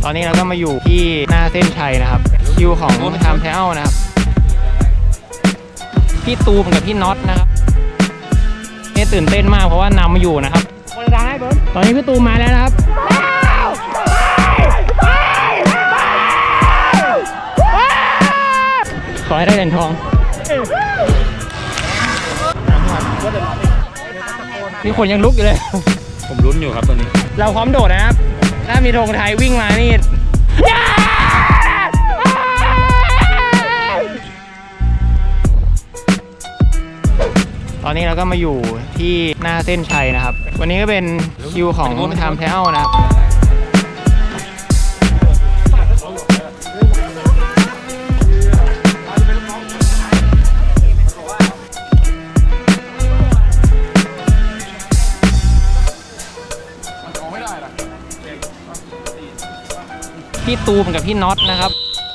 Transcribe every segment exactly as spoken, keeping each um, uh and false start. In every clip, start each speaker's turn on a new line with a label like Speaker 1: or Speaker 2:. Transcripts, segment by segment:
Speaker 1: อนนี้เราก็มาอยู่ที่หน้าเส้นชัยนะครับคิวของทำแทลนะครับพี่ตูมกับพี่น็อตนะครับนี่ตื่นเต้นมากเพราะว่านำมาอยู่นะครับตอนนี้พี่ตูมมาแล้วนะครับขอให้ได้เหรียญทองนี่คนยังลุกอยู่เลย
Speaker 2: ผมลุ้นอยู่ครับตอนนี้
Speaker 1: เราพร้อมโดดนะครับถ้ามีธงไทยวิ่งมานี่ตอนนี้เราก็มาอยู่ที่หน้าเส้นชัยนะครับวันนี้ก็เป็นคิวของทำแทลนะครับพี่ตูมกับพี่น็อตนะครับ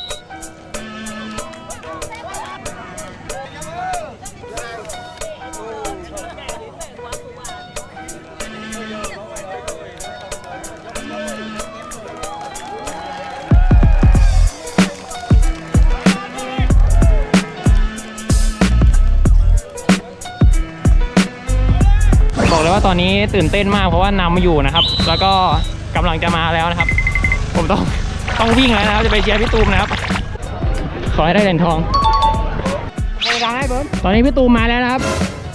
Speaker 1: บอกเลยว่าตอนนี้ตื่นเต้นมากเพราะว่านำมาอยู่นะครับแล้วก็กำลังจะมาแล้วนะครับผมต้องต้องวิ่งแล้วนะครับจะไปเชียร์พี่ตูมนะครับขอให้ได้เหรียญทองตอนนี้พี่ตูมมาแล้วนะครับ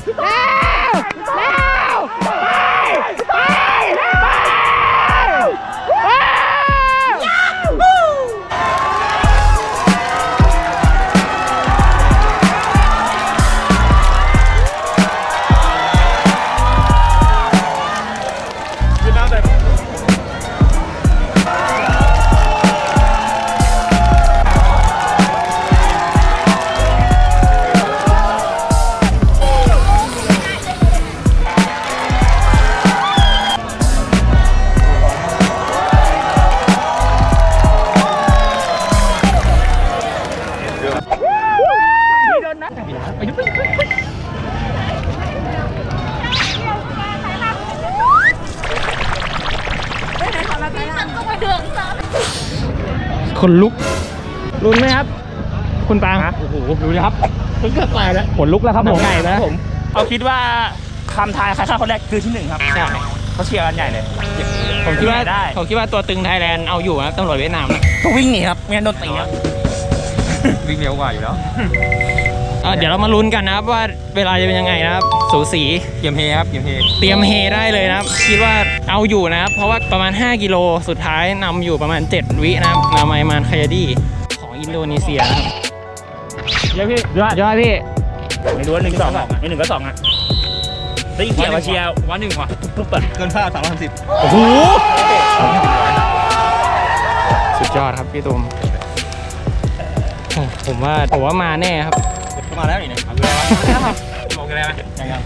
Speaker 1: คนลุกลุ้นไหมครับคุณปางโอ้โหดูดิครับเกือบตายแล้วขนลุกแล้วครับผมใหญ่แล้วผม
Speaker 2: เอาคิดว่าคำทายใครฆ่าคนแรกคือที่หนึ่งครับใช่เขาเชียร์กันใหญ่เลย
Speaker 1: ผมคิดว่าได้ผมคิดว่าตัวตึงไทยแลนด์เอาอยู่นะตำรวจเวียดนามนะ
Speaker 2: ต้องวิ่งหนีครับไม่งั้นโดนตีครับวิ่งเร็วกว่าอยู่แล้ว
Speaker 1: เดี๋ยวเรามาลุ้นกันนะครับว่าเวลาจะเป็นยังไงนะครับสูสี
Speaker 2: เตรียมเฮครับเตรียมเฮ
Speaker 1: เตรียมเฮได้เลยนะครับคิดว่าเอาอยู่นะครับเพราะว่าประมาณห้ากิโลสุดท้ายนำอยู่ประมาณเจ็ดวินะครับนาไมมานคายาดีของอินโดนีเซียนะครับ
Speaker 2: เยอะพี่
Speaker 1: ยอดยอดพี่
Speaker 2: ไม่รู้ว่าหนึ่งสองไม่หนึ่งก็สองอ่ะได้ยินเสียงมาเชียร์วันหนึ่งว่ะทุกเปิด
Speaker 3: เกินค่าสามร้อยสามสิบ
Speaker 1: โอ้โหสุดยอดครับพี่ตูมผมว่าผมว่ามาแน่ครับ
Speaker 3: มาแล้วนี่เนี่ย
Speaker 2: บอกกันแล้วไหมยังยัง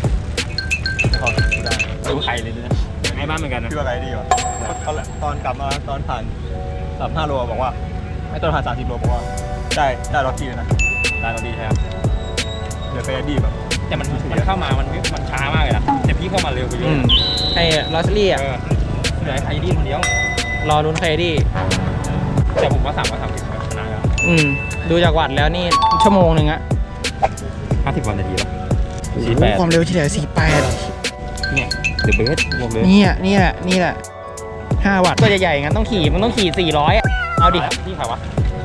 Speaker 2: ดูไข่เลยนะไอ้บ้านเหมือนกันนะ
Speaker 3: คืออะไรดีวะตอนกลับมาตอนผ่านสามห้าโลบอกว่าไอ้ตอนผ่านสามสิบโลบอกว่าได้ได้รถดีเลยนะ
Speaker 2: ได้รถดีแท้
Speaker 3: เดี๋ยวไปดีแบบ
Speaker 2: แต่มันมันเข้ามามันมันช้ามากเลยนะแต่พี่เข้ามาเร็วไปเยอะ
Speaker 1: ไอ้ลอสลี่อ่ะ
Speaker 2: เหลือไอ้ดีคนเดียว
Speaker 1: รอลุ้นไคดี
Speaker 2: แต่ผมว่าสามว่าสามสิบชนะแล้ว
Speaker 1: อืมดูจากวัดแล้วนี่ชั่วโมงหนึ่งอะ
Speaker 2: ห้าสิบวันนาทีแล้ว
Speaker 1: สี่แปดความเร็วเฉลี่ยสี่แปด
Speaker 2: เนี่ยเดอะเบสบอกเลย
Speaker 1: นี่อ่ะนี่แหละนี่แหละห้าวัตต์ตัวใหญ่ๆงั้นต้องขี่มันต้องขี่สี่ร้อยเอาดิ
Speaker 2: พี่เขาวะ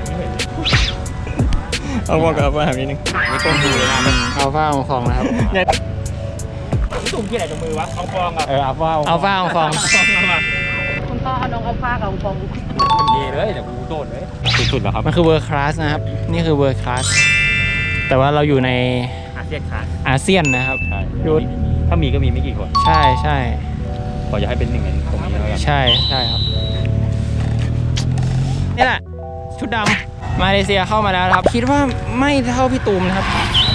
Speaker 3: เอาบอกกับว่าหานิดนึง
Speaker 2: นี่ต้นดูเลยนะ
Speaker 1: มันอัลฟาของฟองนะครับ
Speaker 2: ตุ่มที่ไหนตรงมือวะเอาฟองอ่ะ
Speaker 1: เอออัลฟาอัลฟาของฟอง
Speaker 4: คุณพ่อเอาน้องอัลฟากับฟอง
Speaker 2: เย่เลยเดี๋ยวกูโดดเลยสุดๆแล้วครับ
Speaker 1: มันคือเวอร์คลาสนะครับนี่คือเวอร์คลาสแต่ว่าเราอยู่ใน
Speaker 2: อาเซียนคลาส
Speaker 1: อาเซียนนะครับ
Speaker 2: ถ้ามีก็มีไม่กี่คน
Speaker 1: ใช่ใช่
Speaker 2: ขออย่าให้เป็นหนึ่งในตรงนี้แล้วกัน
Speaker 1: ใช่ใช่ครับนี่แหละชุดดำมาเลเซียเข้ามาแล้วครับคิดว่าไม่เท่าพี่ตูมนะครับ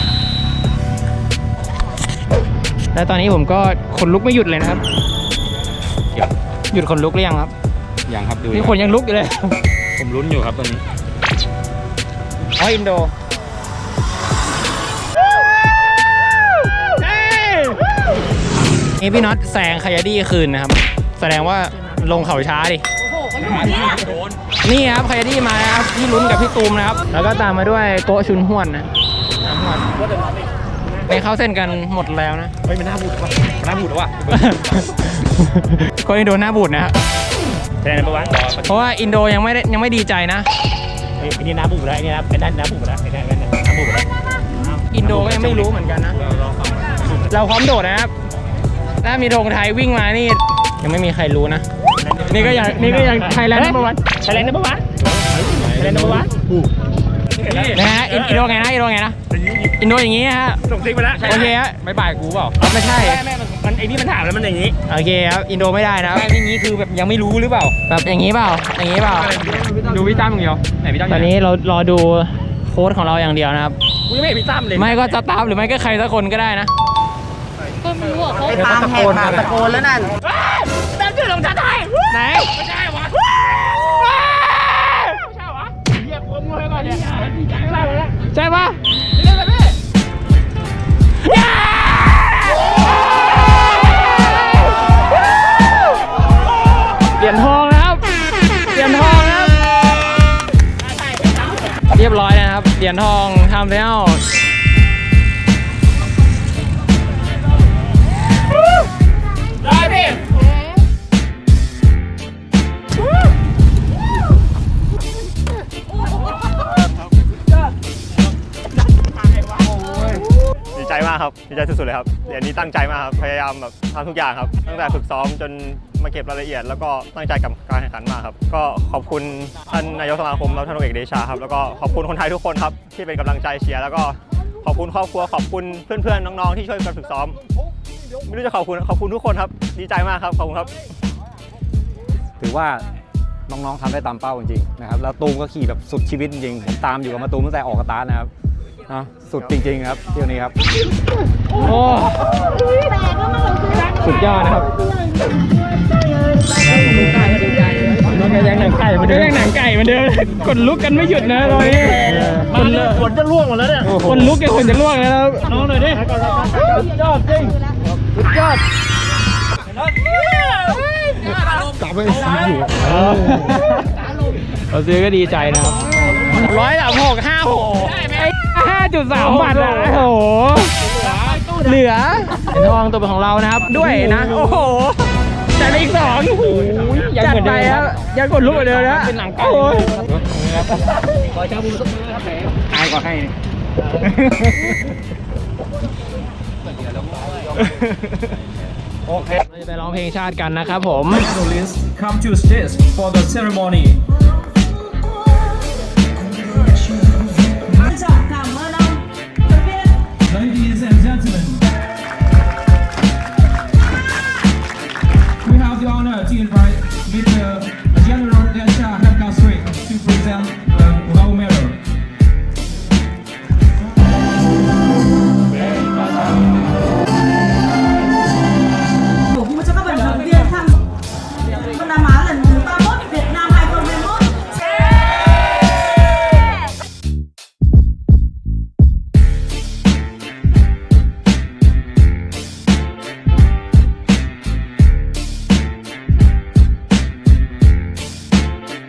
Speaker 1: และตอนนี้ผมก็ขนลุกไม่หยุดเลยนะครับหยุดขนลุกหรือยังครับ
Speaker 2: ยังครับดู
Speaker 1: นี่คนยังลุกอยู่เลย
Speaker 2: ผมลุ้นอยู่ครับตอนนี้
Speaker 1: อ๋ออินโดนี่พี่น็อตแซงคายาดี้คืนนะครับแสดงว่าลงเขาช้าดินี่ครับใครที่มานะครับพี่ลุ้นกับพี่ตูมนะครับ แล้วก็ตามมาด้วยโกชุนห้วนนะไปเข้าเส้นกันหมดแล้วนะ
Speaker 2: เฮ้ยมันหน้าบูดว่ะหน้าบูดแล้วว่ะ
Speaker 1: คนอินโดหน้าบูดนะ
Speaker 2: แทนนัมเบอร์วัน
Speaker 1: เพราะว่าอินโดยังไม่ได้ยังไม่ดีใจนะ
Speaker 2: ไอ้นี่หน้าบูดแล้วไอ้นี่นะไอ้นั่นหน้าบูดแล้วไอ้นั่นไอ้นั่นหน้าบูดแล้ว
Speaker 1: อินโดก็ยังไม่รู้เหมือนกันนะ เราพร้อมโดดนะครับ ถ้ามีธงไทยวิ่งมานี่ยังไม่มีใครรู้นะ นี่ก็ยังนี่ก็ยังไทยแลนด์นัมเบอร์วัน
Speaker 2: ไทยแลนด์นัมเบอร์วันไทยแลนด์นัมเบอร์วัน
Speaker 1: นะฮะอินอินโดไงนะอินโดไงนะอินโดอย่างงี้ฮะ
Speaker 2: ส่งซิกไปแล้ว
Speaker 1: โอเคฮะ
Speaker 2: ไม่บ่ายกูเปล่า
Speaker 1: ไม่ใช่
Speaker 2: แม่แม่มันไอ้นี่มันถามแล้วมันอย่างนี้
Speaker 1: โอเคครับอินโดไม่ได้นะครับ
Speaker 2: แม่อย่างนี้คือแบบยังไม่รู้หรือเปล่า
Speaker 1: แบบอย่างนี้เปล่าอย่างนี้เปล่า
Speaker 2: ดูพี่ตั้มอย่างเดียวไหนพี่ตั้ม
Speaker 1: ตอนนี้เรารอดูโค้ชของเราอย่างเดียวนะครับ
Speaker 2: กูยังไม่เห็นพี่ตั้มเลย
Speaker 1: ไม่ก็สตาฟหรือไม่ก็ใครสักคนก็ได้นะ
Speaker 4: ก็ไม่รู้อ่ะเขา
Speaker 3: ตามแหกปากตะโกนแล้วนั่น
Speaker 2: ตั้มชื่อลงชาไทย
Speaker 1: ไหน
Speaker 2: ไม่ได้วะไม่ใช่วะเรียกกูมั่วให้ก่อนเนี่ยดีใจมากเลยนะ
Speaker 1: ใช่ปะ
Speaker 2: เล่นเลยพี่
Speaker 1: เหรียญทองนะครับเหรียญทองนะครับเรียบร้อยแล้วนะครับเหรียญทองทำแล้ว
Speaker 2: ได้พี่
Speaker 3: ดีใจมากครับดีใจสุดๆเลยครับเหรียญนี้ตั้งใจมากครับพยายามแบบทำทุกอย่างครับตั้งแต่ฝึกซ้อมจนมาเก็บรายละเอียด แล้วก็ตั้งใจกับการแข่งขันมากครับก็ขอบคุณท่านนายกสมาคมแล้วท่านเอกเดชาครับแล้วก็ขอบคุณคนไทยทุกคนครับที่เป็นกำลังใจเชียร์แล้วก็ขอบคุณครอบครัวขอบคุณเพื่อนๆน้องๆที่ช่วยกันฝึกซ้อมไม่รู้จะขอบคุณขอบคุณทุกคนครับดีใจมากครับขอบคุณครับ
Speaker 5: ถือว่าน้องๆทำได้ตามเป้าจริงๆนะครับแล้วตูมก็ขี่แบบสุดชีวิตจริงๆผมตามอยู่กับมาตูมตั้งแต่ออกสตาร์ทนะครับนะสุดจริงๆครับเที่ยวนี้ครับ
Speaker 1: โอ้สุดยอดนะครับยังหนังไก่มันเดิมยังหนังไก่มันเดิมกดลุกกันไม่หยุดนะตอนนี้คนละ
Speaker 2: ฝนจะล่วงหมดแล้วเนี่ย
Speaker 1: คนลุกกันคนจะล่วงแล้วนะครับน้องหน่อยดิยอดจริงยอดกลับไปอยู่เราซื้อก็ดีใจนะครับร้อยสามหกห้าหกห้าจุดสามบาทอ่ะโอ้โหเหลือเหรียญทองตัวเป็นของเรานะครับด้วยนะโอ้โหจัดไปอีกสองจัดไปครับยังกดลุกเหมือนเดิมนะเป็นหนังไก่ขอชาบูสักมื้อครับแหมอายก็ให้โอเคเราจะไปร้องเพลงชาติกันนะครับผม
Speaker 6: Come to stage for the ceremony.